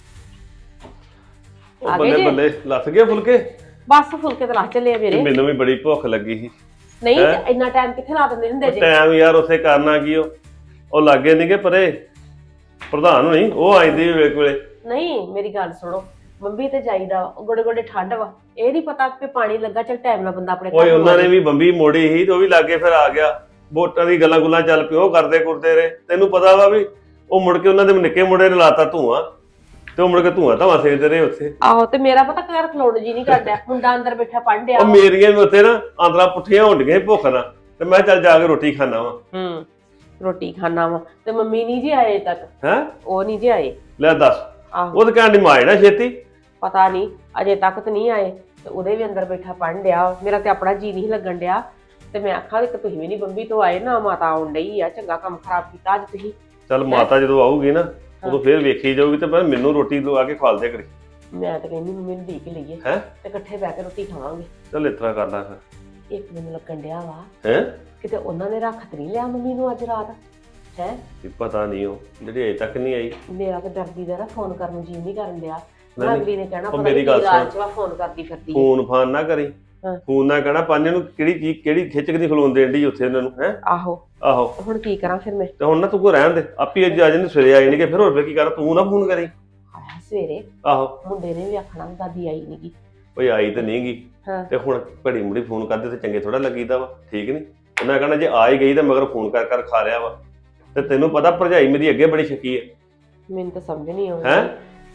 [SPEAKER 4] ਆ ਗਏ
[SPEAKER 7] ਬੱਲੇ
[SPEAKER 4] ਜੀ?
[SPEAKER 7] ਬੱਲੇ ਲੱਥ ਗਏ ਫੁਲਕੇ।
[SPEAKER 4] ਬਸ ਫੁਲਕੇ ਤੇ ਲਾ ਚੱਲੇ ਆ ਮੇਰੇ।
[SPEAKER 7] ਮੈਨੂੰ ਵੀ ਬੜੀ ਭੁੱਖ ਲੱਗੀ ਸੀ।
[SPEAKER 4] ਨਹੀਂ
[SPEAKER 7] ਹੈਂ?
[SPEAKER 4] ਇੰਨਾ ਟਾਈਮ ਕਿੱਥੇ ਲਾ ਦਿੰਦੇ ਹੁੰਦੇ ਜੇ।
[SPEAKER 7] ਟਾਈਮ ਯਾਰ ਉੱਥੇ ਕਰਨਾ ਕੀ, ਉਹ ਉਹ ਲਾਗੇ ਨਹੀਂਗੇ ਪਰੇ ਪ੍ਰਧਾਨ ਹੋਣੀ, ਉਹ ਆਈਂਦੀ ਵੇਲੇ ਵੇਲੇ।
[SPEAKER 4] ਨਹੀਂ ਮੇਰੀ ਗੱਲ ਸੁਣੋ, ਮੰਮੀ ਤੇ ਜਾਈਦਾ ਵਾ, ਗੋਡੇ ਗੋਡੇ ਠੰਡ ਵਾ, ਇਹ ਨਹੀਂ ਪਤਾ ਕਿ ਪਾਣੀ ਲੱਗਾ, ਚੱਲ ਟਾਈਮ ਨਾਲ ਬੰਦਾ ਆਪਣੇ
[SPEAKER 7] ਓਏ
[SPEAKER 4] ਨੂੰ
[SPEAKER 7] ਉਹਨਾਂ
[SPEAKER 4] ਆ
[SPEAKER 7] ਨੇ
[SPEAKER 4] ਜਾਏ।
[SPEAKER 7] ਵੀ ਬੰਬੀ ਮੋੜੀ ਸੀ ਤੇ ਉਹ ਵੀ ਲਾਗੇ ਫਿਰ ਆ ਗਿਆ। ਵੋਟਾਂ ਦੀ ਗੱਲਾਂ ਗੁੱਲਾਂ ਚੱਲ ਪਿਓ, ਕਰਦੇ ਕੁਰਦੇ ਰਹੇ। ਤੈਨੂੰ ਪਤਾ ਵਾ ਵੀ ਉਹ ਮੁੜ ਕੇ ਉਹਨਾਂ ਦੇ ਨਿੱਕੇ ਮੁੰਡੇ ਨੇ ਲਾਤਾ ਧੂਆਂ, ਤੇ ਉਹ ਮੁੜ ਕੇ ਧੂਆਂ ਧਾਵਾਂ ਸੇਕਦੇ ਰਹੇ ਉੱਥੇ।
[SPEAKER 4] ਆਹੋ ਤੇ ਮੇਰਾ ਪਤਾ ਘਰ ਖਲੋਣ ਜੀ ਨਹੀਂ ਕਰਦਾ, ਮੁੰਡਾ ਅੰਦਰ ਬੈਠਾ ਪੜ੍ਹ ਡਿਆ
[SPEAKER 7] ਉਹ
[SPEAKER 4] ਵਾ।
[SPEAKER 7] ਮੇਰੀਆਂ ਵੀ ਉੱਥੇ ਨਾ ਆਂਦਰਾਂ ਪੁੱਠੀਆਂ ਹੋਣ ਡੀਆਂ ਭੁੱਖ ਨਾਲ, ਤੇ ਮੈਂ ਚੱਲ ਜਾ ਕੇ ਰੋਟੀ ਖਾਣਾ ਵਾ।
[SPEAKER 4] ਹੂੰ ਰੋਟੀ ਖਾਣਾ ਵਾ, ਤੇ ਮੰਮੀ ਨਹੀਂ ਜੀ ਆਏ ਅਜੇ ਤੱਕ,
[SPEAKER 7] ਹੈ
[SPEAKER 4] ਉਹ ਨਹੀਂ ਜੀ ਆਏ।
[SPEAKER 7] ਲੈ ਦੱਸ,
[SPEAKER 4] ਆਹੋ
[SPEAKER 7] ਉਹ ਤਾਂ ਕਹਿਣ ਦੀ ਮਾਂ ਨਾ ਛੇਤੀ।
[SPEAKER 4] ਪਤਾ ਨਹੀਂ ਅਜੇ ਤੱਕ ਤਾਂ ਨਹੀਂ ਆਏ, ਤੇ ਉਹਦੇ ਵੀ ਅੰਦਰ ਬੈਠਾ ਪੜ੍ਹਨ ਡਿਆ। ਮੇਰਾ ਤੇ ਆਪਣਾ ਜੀ ਨਹੀਂ ਲੱਗਣ ਡਿਆ, ਤੇ ਮੈਂ ਆਖਾਂ ਕਿ ਤੁਸੀਂ ਵੀ ਨਹੀਂ ਬੰਬੀ ਤੋਂ ਆਏ ਨਾ, ਮਾਤਾ ਆਉਣ ਡਈ ਆ, ਚੰਗਾ ਕੰਮ ਖਰਾਬ ਕੀਤਾ ਅੱਜ ਤੁਸੀਂ।
[SPEAKER 7] ਚੱਲ ਮਾਤਾ ਜਦੋਂ ਆਊਗੀ ਨਾ ਉਦੋਂ ਫੇਰ ਵੇਖੀ ਜਾਊਗੀ, ਤੇ ਮੈਂ ਮੈਨੂੰ ਰੋਟੀ ਲਵਾ ਕੇ ਖਵਾਲ ਦਿਆ ਕਰੀ।
[SPEAKER 4] ਮੈਂ ਤਾਂ ਕਹਿੰਦੀ ਮੰਮੀ ਨੂੰ ਢੀਕ ਲਈਏ
[SPEAKER 7] ਹੈਂ?
[SPEAKER 4] ਤੇ ਇਕੱਠੇ ਬਹਿ ਕੇ ਰੋਟੀ ਖਾਵਾਂਗੇ।
[SPEAKER 7] ਚੱਲ ਇਸ ਤਰ੍ਹਾਂ ਕਰਦਾ ਫਿਰ।
[SPEAKER 4] ਇੱਕ ਮੈਨੂੰ ਲੱਗਣ ਡਿਆ ਵਾ
[SPEAKER 7] ਹੈ
[SPEAKER 4] ਕਿਤੇ ਉਹਨਾਂ ਨੇ ਰੱਖ ਨਹੀਂ ਲਿਆ ਮੰਮੀ ਨੂੰ ਅੱਜ ਰਾਤ। ਹੈ
[SPEAKER 7] ਪਤਾ ਨਹੀਂ, ਉਹ ਜਿਹੜੀ ਅਜੇ ਤੱਕ ਨਹੀਂ ਆਈ।
[SPEAKER 4] ਮੇਰਾ ਤਾਂ ਡਰਦੀ ਦਾ ਨਾ ਫੋਨ ਕਰਨ ਨੂੰ ਜੀ ਨਹੀਂ ਕਰਨ ਡਿਆ।
[SPEAKER 7] ਨਹੀਂ, ਨਹੀਂ।
[SPEAKER 4] ਅਗਲੀ ਨੇ ਕਹਿਣਾ
[SPEAKER 7] ਉਹ
[SPEAKER 4] ਪਤਾ
[SPEAKER 7] ਮੇਰੀ
[SPEAKER 4] ਨਹੀਂ
[SPEAKER 7] ਗੱਲ
[SPEAKER 4] ਕੀ
[SPEAKER 7] ਸੁਣ।
[SPEAKER 4] ਰਾਤ ਚ ਵਾ ਫੋਨ ਕਰਦੀ ਫਿਰਦੀ ਹੈ।
[SPEAKER 7] ਫੋਨ ਫਾਨ ਨਾ ਕਰੀ,
[SPEAKER 4] ਹਾਂ।
[SPEAKER 7] ਫੋਨ ਨਾ ਕਹਿਣਾ ਪੰਜ ਨੂੰ ਕਿਹੜੀ ਚੀਜ਼ ਕਿਹੜੀ ਖਿੱਚ ਕੇ ਨਹੀਂ ਖਲੋਣ ਦੇਣ ਦੀ ਉੱਥੇ ਉਹਨਾਂ ਨੂੰ। ਹੈ
[SPEAKER 4] ਆਹੋ
[SPEAKER 7] ਆਹੋ,
[SPEAKER 4] ਹੁਣ ਕੀ ਕਰਾਂ ਫਿਰ ਮੈਂ।
[SPEAKER 7] ਤੇ ਹੁਣ ਨਾ ਤੂੰ ਕੋ ਰਹਿਣ ਦੇ, ਆਪੀ ਅੱਜ ਆ ਜਾਂਦੇ ਸਵੇਰੇ ਆ ਜਾਣਗੇ, ਫਿਰ ਹੋਰ ਫੇਰ ਕੀ ਕਰਾਂ, ਤੂੰ ਨਾ ਫੋਨ ਕਰੀ।
[SPEAKER 4] ਆਇਆ ਸਵੇਰੇ
[SPEAKER 7] ਆਹੋ
[SPEAKER 4] ਮੁੰਡੇ ਨੇ ਵੀ ਆਖਣਾ ਦਾਦੀ ਆਈ ਨੀ ਗੀ।
[SPEAKER 7] ਓਏ ਆਈ ਤੇ ਨਹੀਂ ਗਈ,
[SPEAKER 4] ਹਾਂ।
[SPEAKER 7] ਤੇ ਹੁਣ ਘੜੀ ਮੁੜੀ ਫੋਨ ਕਰਦੇ ਤੇ ਚੰਗੇ ਥੋੜਾ ਲੱਗੀਦਾ ਵਾ, ਠੀਕ ਨਹੀਂ। ਉਹਨਾਂ ਕਹਿਣਾ ਜੇ ਆ ਹੀ ਗਈ ਤਾਂ ਮਗਰ ਫੋਨ ਕਰ ਕਰ ਖਾ ਰਿਆ ਵਾ। ਤੇ ਤੈਨੂੰ ਪਤਾ ਭਰਜਾਈ ਮੇਰੀ ਅੱਗੇ ਬੜੀ ਸ਼ੱਕੀ ਹੈ।
[SPEAKER 4] ਮੈਨੂੰ ਤਾਂ ਸਮਝ ਨਹੀਂ ਆਉਂਦੀ
[SPEAKER 7] ਹੈਂ?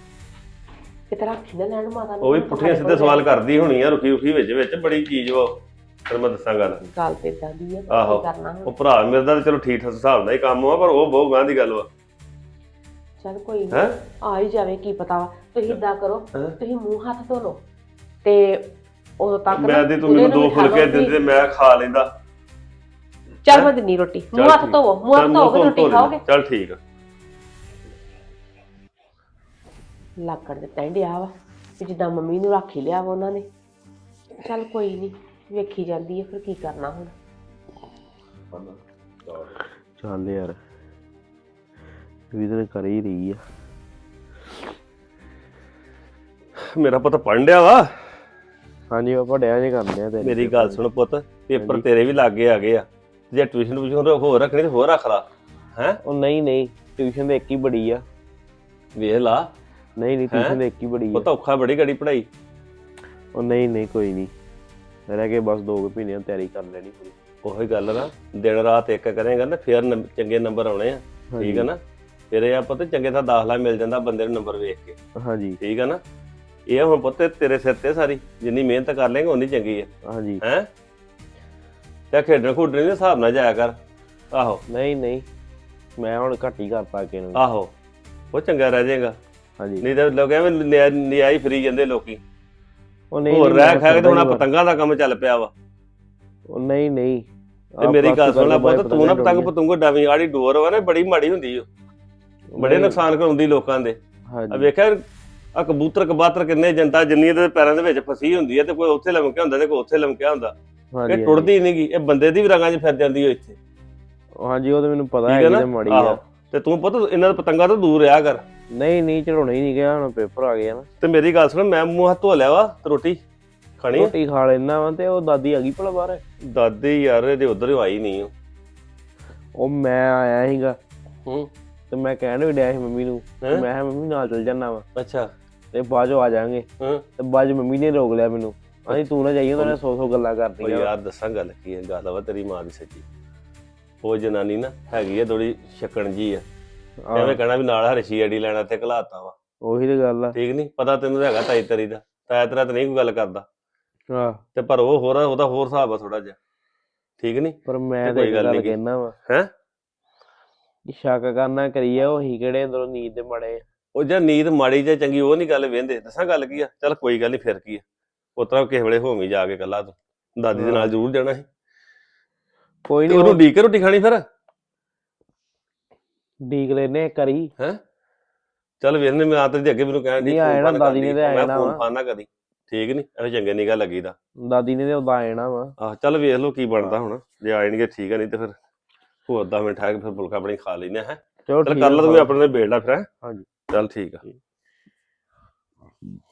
[SPEAKER 4] ਕਿਤੇ ਰੱਖੀ ਨਾ ਲੈਣ ਮਾਤਾ ਨੂੰ।
[SPEAKER 7] ਉਹ ਵੀ ਪੁੱਠੀਆਂ ਸਿੱਧੇ ਸਵਾਲ ਕਰਦੀ ਹੋਣੀ ਆ, ਰੁਕੀ ਰੁਕੀ ਵਿੱਚ ਵਿੱਚ ਬੜੀ ਚੀਜ਼ ਵਾ। ਫਿਰ ਮੈਂ ਦੱਸਾਂ ਗੱਲ,
[SPEAKER 4] ਗੱਲ ਤੇ ਇਦਾਂ ਦੀ ਆ,
[SPEAKER 7] ਆਹੋ।
[SPEAKER 4] ਕੀ ਕਰਨਾ ਹੁਣ।
[SPEAKER 7] ਉਹ ਭਰਾ ਮੇਰੇ ਦਾ ਤਾਂ ਚਲੋ ਠੀਕ ਠਾਕ ਹਿਸਾਬ ਨਾਲ ਹੀ ਕੰਮ ਆ, ਪਰ ਉਹ ਬਹੁਤ ਗਾਂ ਦੀ ਗੱਲ ਵਾ।
[SPEAKER 4] ਚੱਲ ਕੋਈ
[SPEAKER 7] ਹੈਂ?
[SPEAKER 4] ਨਹੀਂ ਆ ਹੀ ਜਾਵੇ, ਕੀ ਪਤਾ ਵਾ। ਤੁਸੀਂ ਇਦਾਂ ਕਰੋ,
[SPEAKER 7] ਹੈਂ?
[SPEAKER 4] ਤੁਸੀਂ ਮੂੰਹ ਹੱਥ ਧੋ ਲਓ, ਤੇ ਉਦੋਂ ਤੱਕ ਨਾ
[SPEAKER 7] ਮੈਂ ਤੇ ਤੂੰ
[SPEAKER 4] ਉਹਦੇ
[SPEAKER 7] ਮੈਨੂੰ
[SPEAKER 4] ਨੂੰ
[SPEAKER 7] ਦੋ
[SPEAKER 4] ਬਿਠਾ
[SPEAKER 7] ਫੁਲਕੇ
[SPEAKER 4] ਲਓ
[SPEAKER 7] ਦਿੰਦੇ, ਮੈਂ ਖਾ ਲੈਂਦਾ।
[SPEAKER 4] ਚੱਲ ਮੈਂ ਦਿੰਨੀ ਰੋਟੀ, ਮੂੰਹ ਹੱਥ
[SPEAKER 7] ਠੀਕ।
[SPEAKER 4] ਧੋਵੋ, ਮੂੰਹ ਹੱਥ
[SPEAKER 7] ਚੱਲ
[SPEAKER 4] ਧੋ ਕੇ
[SPEAKER 7] ਧੋ
[SPEAKER 4] ਰੋਟੀ
[SPEAKER 7] ਲੈਂਦਾ।
[SPEAKER 4] ਖਾਓਗੇ।
[SPEAKER 7] ਚੱਲ ਠੀਕ ਆ।
[SPEAKER 4] ਲੱਕੜ ਦਿੱਤਾ ਹੀ ਡਿਆ ਵਾ ਕਿ ਜਿੱਦਾਂ ਮੰਮੀ ਨੂੰ ਰੱਖ ਹੀ ਲਿਆ ਵਾ ਉਹਨਾਂ ਨੇ। ਚੱਲ ਕੋਈ ਨਹੀਂ, ਵੇਖੀ ਜਾਂਦੀ ਹੈ, ਫਿਰ ਕੀ ਕਰਨਾ ਹੁਣ।
[SPEAKER 8] ਚੱਲ ਯਾਰ ਵੀ ਤਾਂ ਕਰ ਹੀ ਰਹੀ ਆ।
[SPEAKER 7] ਮੇਰਾ ਪੁੱਤ ਪੜ੍ਹਨ ਡਿਆ ਵਾ।
[SPEAKER 8] ਹਾਂਜੀ ਉਹ ਪੜਿਆ ਜੇ ਕਰਦੇ ਆ ਤੇਰੀ।
[SPEAKER 7] ਮੇਰੀ ਗੱਲ ਸੁਣ ਪੁੱਤ, ਪੇਪਰ
[SPEAKER 8] ਹਾਂਜੀ।
[SPEAKER 7] ਤੇਰੇ ਵੀ ਲਾਗੇ ਆ ਗਏ ਆ। ਜੇ ਟਿਊਸ਼ਨ ਟਿਊਸ਼ਨ ਹੋਰ ਰੱਖਣੀ ਤੇ ਹੋਰ ਰੱਖ ਲਾ। ਹੈ
[SPEAKER 8] ਉਹ ਨਹੀਂ ਨਹੀਂ ਟਿਊਸ਼ਨ ਤੇ ਇੱਕ ਹੀ ਬੜੀ ਆ।
[SPEAKER 7] ਵੇਖ ਲਾ,
[SPEAKER 8] ਨਹੀਂ ਨਹੀਂ ਟਿਊਸ਼ਨ ਤੇ ਇੱਕ ਹੀ ਬੜੀ ਆ।
[SPEAKER 7] ਪੁੱਤ ਔਖਾ ਬੜੀ ਗੜੀ ਪੜ੍ਹਾਈ।
[SPEAKER 8] ਉਹ ਨਹੀਂ ਨਹੀਂ ਕੋਈ ਨਹੀਂ, ਰਹਿ ਕੇ ਬਸ ਦੋ ਕੁ ਮਹੀਨਿਆਂ ਤਿਆਰੀ ਕਰ ਲੈਣੀ ਪੂਰੀ।
[SPEAKER 7] ਉਹੀ ਗੱਲ ਨਾ, ਦਿਨ ਰਾਤ ਇੱਕ ਕਰੇਗਾ ਨਾ ਫੇਰ ਨੰਬ- ਚੰਗੇ ਨੰਬਰ ਆਉਣੇ ਆ, ਠੀਕ ਆ ਨਾ। ਫਿਰ ਇਹ ਆ ਪੁੱਤ ਚੰਗੇ ਤਾਂ ਦਾਖਲਾ ਮਿਲ ਜਾਂਦਾ ਬੰਦੇ ਨੂੰ ਨੰਬਰ ਵੇਖ ਕੇ,
[SPEAKER 8] ਹਾਂਜੀ
[SPEAKER 7] ਠੀਕ ਆ ਨਾ। ਇਹ ਹੁਣ ਪੁੱਤ ਤੇਰੇ ਸਿਰ ਤੇ ਸਾਰੀ, ਜਿੰਨੀ ਮਿਹਨਤ ਕਰ ਲੇਗਾ ਉਨੀ ਚੰਗੀ ਆ।
[SPEAKER 8] ਹਾਂਜੀ
[SPEAKER 7] ਹੈ ਤੇ ਖੇਡਣ ਖੁੱਡਣ ਦੇ ਹਿਸਾਬ ਨਾਲ ਜਾਇਆ ਕਰ। ਆਹੋ
[SPEAKER 8] ਨਹੀਂ ਨਹੀਂ ਮੈਂ ਹੁਣ ਘੱਟ ਹੀ ਕਰਤਾ ਅੱਗੇ ਨੂੰ।
[SPEAKER 7] ਆਹੋ, ਉਹ ਚੰਗਾ ਰਹਿ ਜਾਏਗਾ।
[SPEAKER 8] ਹਾਂਜੀ
[SPEAKER 7] ਨਹੀਂ ਤਾਂ ਲੋਕ ਐਵੇਂ ਨਿਆ- ਨਿਆਈ ਫਰੀ ਜਾਂਦੇ ਲੋਕੀ।
[SPEAKER 8] ਉਹ ਨਹੀਂ
[SPEAKER 7] ਹੋਰ
[SPEAKER 8] ਨਹੀਂ,
[SPEAKER 7] ਰਹਿ
[SPEAKER 8] ਮੈਂ
[SPEAKER 7] ਖਾ ਕੇ ਤੇ ਹੁਣ ਆਹ
[SPEAKER 8] ਕਰਦਾ ਹੀ
[SPEAKER 7] ਪਤੰਗਾਂ ਦਾ ਕੰਮ ਚੱਲ ਪਿਆ ਵਾ।
[SPEAKER 8] ਉਹ ਨਹੀਂ ਨਹੀਂ
[SPEAKER 7] ਤੇ
[SPEAKER 8] ਆਹ
[SPEAKER 7] ਮੇਰੀ ਗੱਲ
[SPEAKER 8] ਪਲਾਸਟਿਕ
[SPEAKER 7] ਸੁਣ ਲੈ
[SPEAKER 8] ਕਰਕੇ
[SPEAKER 7] ਪੁੱਤ, ਤੂੰ ਨਾ ਪਤੰਗ
[SPEAKER 8] ਡੋਰੀਆਂ।
[SPEAKER 7] ਪਤੰਗੋ ਡਾਵੀਂ ਆੜੀ ਡੋਰ ਵਾ ਨਾ ਬੜੀ ਮਾੜੀ ਹੁੰਦੀ ਓ, ਬੜੇ
[SPEAKER 8] ਨਹੀਂ,
[SPEAKER 7] ਨੁਕਸਾਨ ਕਰਾਉਂਦੀ ਲੋਕਾਂ ਦੇ। ਆ
[SPEAKER 8] ਹਾਂਜੀ
[SPEAKER 7] ਵੇਖਿਆ ਆ ਕਬੂਤਰ ਕਬਾਤਰ ਕਿੰਨੇ ਜਨਤਾ ਜਿੰਨੀ ਦੇ ਪੈਰਾਂ ਦੇ ਵਿੱਚ ਫਸੀ ਹੁੰਦੀ ਹੈ ਤੇ ਕੋਈ ਉੱਥੇ ਲਮਕਿਆ ਹੁੰਦਾ ਤੇ ਕੋਈ ਉੱਥੇ ਲਮਕਿਆ ਹੁੰਦਾ।
[SPEAKER 8] ਹਾਂਜੀ
[SPEAKER 7] ਇਹ ਟੁੱਟਦੀ ਨਹੀਂਗੀ, ਇਹ ਬੰਦੇ ਦੀ ਵੀ ਰਗਾਂ 'ਚ ਫਿਰ ਜਾਂਦੀ ਓ ਇੱਥੇ।
[SPEAKER 8] ਹਾਂਜੀ ਉਹ ਤਾਂ ਮੈਨੂੰ ਪਤਾ
[SPEAKER 7] ਠੀਕ
[SPEAKER 8] ਹੈ
[SPEAKER 7] ਹੈ ਨਾ?
[SPEAKER 8] ਕਿ ਮਾੜੀ
[SPEAKER 7] ਆਹੋ।
[SPEAKER 8] ਆ।
[SPEAKER 7] ਤੇ ਤੂੰ ਪੁੱਤ ਇਹਨਾਂ ਦੇ ਪਤੰਗਾਂ ਤੋਂ ਦੂਰ ਰਿਹਾ ਕਰ।
[SPEAKER 8] ਨਹੀਂ ਨਹੀਂ ਚੜਾਉਣਾ ਹੀ ਨਹੀਂ ਗਿਆ, ਹੁਣ ਪੇਪਰ ਆ ਗਏ ਆ ਨਾ।
[SPEAKER 7] ਤੇ ਮੇਰੀ ਗੱਲ ਸੁਣ, ਮੈਂ ਮੂੰਹ ਹੱਥ ਧੋ ਲਿਆ ਵਾ ਤੇ ਰੋਟੀ ਖਾਣੀ ਆ?
[SPEAKER 8] ਰੋਟੀ ਖਾ ਲੈਣਾ ਵਾ ਤੇ ਉਹ ਦਾਦੀ ਆ ਗਈ ਭਲਾ ਬਾਹਰ।
[SPEAKER 7] ਦਾਦੀ ਯਾਰ ਇਹਦੇ ਉਧਰ ਹੀ ਆਈ ਨਹੀਂ ਓ।
[SPEAKER 8] ਉਹ ਮੈਂ ਆਇਆ ਸੀਗਾ
[SPEAKER 7] ਹੂੰ
[SPEAKER 8] ਤੇ ਮੈਂ ਕਹਿਣ ਵੀ ਡਿਆ ਸੀ ਮੰਮੀ ਨੂੰ,
[SPEAKER 7] ਹੈਂ?
[SPEAKER 8] ਮੈਂ ਕਿਹਾ ਮੰਮੀ ਨਾਲ ਚੱਲ ਜਾਣਾ ਵਾ
[SPEAKER 7] ਅੱਛਾ।
[SPEAKER 8] ਤੇ ਬਾਅਦ ਚੋਂ ਆ ਜਾਾਂਗੇ।
[SPEAKER 7] ਹਾਂ।
[SPEAKER 8] ਤੇ ਬਾਅਦ 'ਚ ਮੰਮੀ ਨੇ ਰੋਕ ਲਿਆ ਮੈਨੂੰ, ਆਂਦੀ ਤੂੰ ਨਾ ਜਾਈਂ, ਉਹਨਾਂ ਨੇ ਸੌ ਸੌ ਗੱਲਾਂ
[SPEAKER 7] ਉਹ
[SPEAKER 8] ਕਰਦੀਆਂ।
[SPEAKER 7] ਯਾਰ ਦੱਸਾਂ ਗੱਲ ਕੀ ਹੈ, ਗੱਲ ਵਾ ਤੇਰੀ ਮਾਂ ਦੀ ਸੱਚੀ। ਉਹ ਜਨਾਨੀ ਨਾ ਹੈਗੀ ਆ ਥੋੜੀ ਛੱਕਣ ਜੀ ਆ,
[SPEAKER 8] ਆਹ,
[SPEAKER 7] ਐਵੇਂ ਕਹਿਣਾ ਵੀ ਨਾਲ ਹਰਸ਼ੀ ਅੜੀ ਲੈਣਾ ਤੇ ਘਲਾਤਾ ਵਾ।
[SPEAKER 8] ਉਹੀ ਤੇ ਗੱਲ ਆ।
[SPEAKER 7] ਠੀਕ ਨਹੀਂ ਪਤਾ ਤੈਨੂੰ ਤਾਂ ਹੈਗਾ ਤਾਈ ਤੇਰੀ ਦਾ, ਤਾਇਆ ਤੇਰਾ ਤਾਂ ਨਹੀਂ ਕੋਈ ਗੱਲ ਕਰਦਾ
[SPEAKER 8] ਆਹ
[SPEAKER 7] ਤੇ ਪਰ ਉਹ ਹੋਰ ਉਹਦਾ ਹੋਰ ਹਿਸਾਬ ਆ ਥੋੜਾ ਜਿਹਾ। ਠੀਕ ਨਹੀਂ
[SPEAKER 8] ਪਰ ਮੈਂ
[SPEAKER 7] ਤੇ
[SPEAKER 8] ਤੇ
[SPEAKER 7] ਕੋਈ
[SPEAKER 8] ਇੱਕ
[SPEAKER 7] ਗੱਲ
[SPEAKER 8] ਗੱਲ
[SPEAKER 7] ਨੀ ਗੀ।
[SPEAKER 8] ਕਹਿਣਾ ਵਾ,
[SPEAKER 7] ਹੈਂ?
[SPEAKER 8] ਸ਼ੱਕ ਕਰਨਾ ਕਰੀਏ, ਉਹੀ ਕਿਹੜੇ ਅੰਦਰੋਂ ਨੀਂਦ ਦੇ ਮਾੜੇ।
[SPEAKER 7] ਉਹ ਜਾਂ ਨੀਂਦ ਮਾੜੀ ਜਾਂ ਚੰਗੀ ਉਹ ਨਹੀਂ ਗੱਲ ਵੇਂਦੇ। ਦੱਸਾਂ ਗੱਲ ਕੀ ਆ, ਚੱਲ ਕੋਈ ਗੱਲ ਨਹੀਂ, ਫਿਰ ਕੀ ਆ, ਉਸ ਤਰ੍ਹਾਂ ਕਿਸੇ ਵੇਲੇ ਹੋਵੀਂ ਜਾ ਕੇ ਇਕੱਲਾ ਤੂੰ ਦਾਦੀ ਦੇ ਨਾਲ ਜ਼ਰੂਰ ਜਾਣਾ ਸੀ।
[SPEAKER 8] ਕੋਈ
[SPEAKER 7] ਤੇ
[SPEAKER 8] ਨਹੀਂ
[SPEAKER 7] ਉਹਨੂੰ ਢੀਕ ਕੇ ਰੋਟੀ ਖਾਣੀ ਫਿਰ।
[SPEAKER 8] ਡੀਕ ਲੈਨੇ ਕਰੀ।
[SPEAKER 7] ਹੈਂ? ਚੱਲ ਵੇਖਨੇ, ਮੈਂ ਆ ਤੇਰੀ ਅੱਗੇ ਮੈਨੂੰ ਕਹਿਣ ਡਈ
[SPEAKER 8] ਨਹੀਂ ਆਏ ਨਾ, ਦਾਦੀ ਨੇ ਤੇ ਆਏ ਨਾ
[SPEAKER 7] ਫੋਨ
[SPEAKER 8] ਵਾ।
[SPEAKER 7] ਫਾਨ ਨਾ ਕਰੀ। ਠੀਕ ਨਹੀਂ ਐਵੇਂ ਚੰਗੇ ਨਿਗਾ ਲੱਗੀਦਾ।
[SPEAKER 8] ਦਾਦੀ ਨੇ ਤੇ ਉਦਾਂ ਆ ਜਾਣਾ ਵਾ।
[SPEAKER 7] ਆਹ ਚੱਲ ਵੇਖ ਲਓ ਕੀ ਬਣਦਾ ਹੁਣ, ਜੇ ਆ ਜਾਣਗੇ ਠੀਕ ਆ, ਨਹੀਂ ਤੇ ਫਿਰ ਹੋਰ ਦਸ ਮਿੰਟ ਠਹਿਰ ਕੇ ਫਿਰ ਫੁਲਕਾ ਆਪਣੀ ਖਾ ਲੈਨੇ ਹੈ।
[SPEAKER 8] ਚਲੋ
[SPEAKER 7] ਚੱਲ
[SPEAKER 8] ਠੀਕ
[SPEAKER 7] ਕਰ
[SPEAKER 8] ਆ,
[SPEAKER 7] ਲਾ ਤੂੰ ਆਪਣੇ ਨਾਲ ਬੇੜਦਾ ਫਿਰ।
[SPEAKER 8] ਹਾਂਜੀ।
[SPEAKER 7] ਚੱਲ ਠੀਕ ਆ।